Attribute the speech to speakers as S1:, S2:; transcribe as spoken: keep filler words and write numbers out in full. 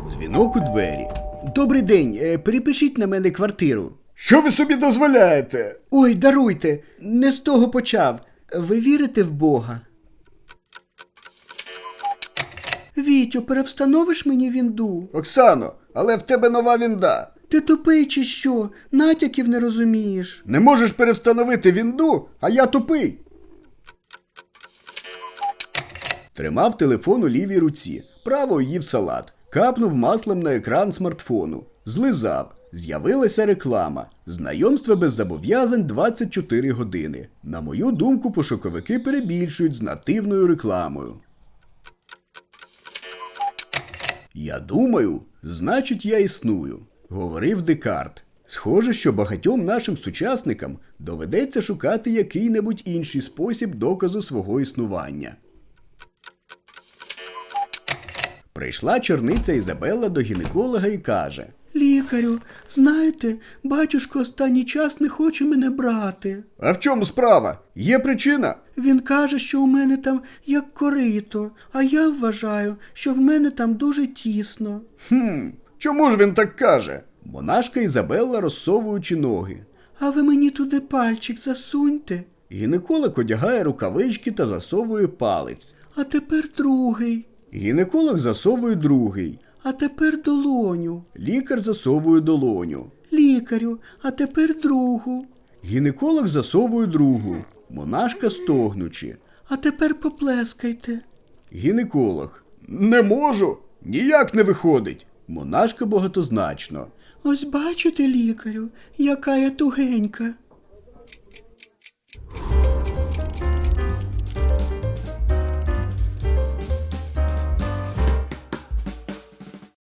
S1: Дзвінок у двері. Добрий день, е, перепишіть на мене квартиру.
S2: Що ви собі дозволяєте?
S1: Ой, даруйте, не з того почав. Ви вірите в Бога? Вітю, перевстановиш мені вінду?
S2: Оксано, але в тебе нова вінда.
S1: Ти тупий чи що? Натяків не розумієш.
S2: Не можеш перевстановити вінду, а я тупий.
S1: Тримав телефон у лівій руці, правою їв салат. Капнув маслом на екран смартфону. Злизав. З'явилася реклама. Знайомство без зобов'язань двадцять чотири години. На мою думку, пошуковики перебільшують з нативною рекламою. «Я думаю, значить я існую», – говорив Декарт. Схоже, що багатьом нашим сучасникам доведеться шукати який-небудь інший спосіб доказу свого існування. Прийшла черниця Ізабелла до гінеколога і каже: «Лікарю, знаєте, батюшко останній час не хоче мене брати».
S2: А в чому справа? Є причина?
S1: «Він каже, що у мене там як корито, а я вважаю, що в мене там дуже тісно».
S2: Хм, чому ж він так каже?
S1: Монашка Ізабелла, розсовуючи ноги: «А ви мені туди пальчик засуньте». Гінеколог одягає рукавички та засовує палець. «А тепер другий». Гінеколог засовує другий. «А тепер долоню». Лікар засовує долоню. «Лікарю, а тепер другу». Гінеколог засовує другу. Монашка стогнучи: «А тепер поплескайте». Гінеколог:
S2: Не можу, ніяк не виходить.
S1: Монашка багатозначно: «Ось бачите, лікарю, яка я тугенька».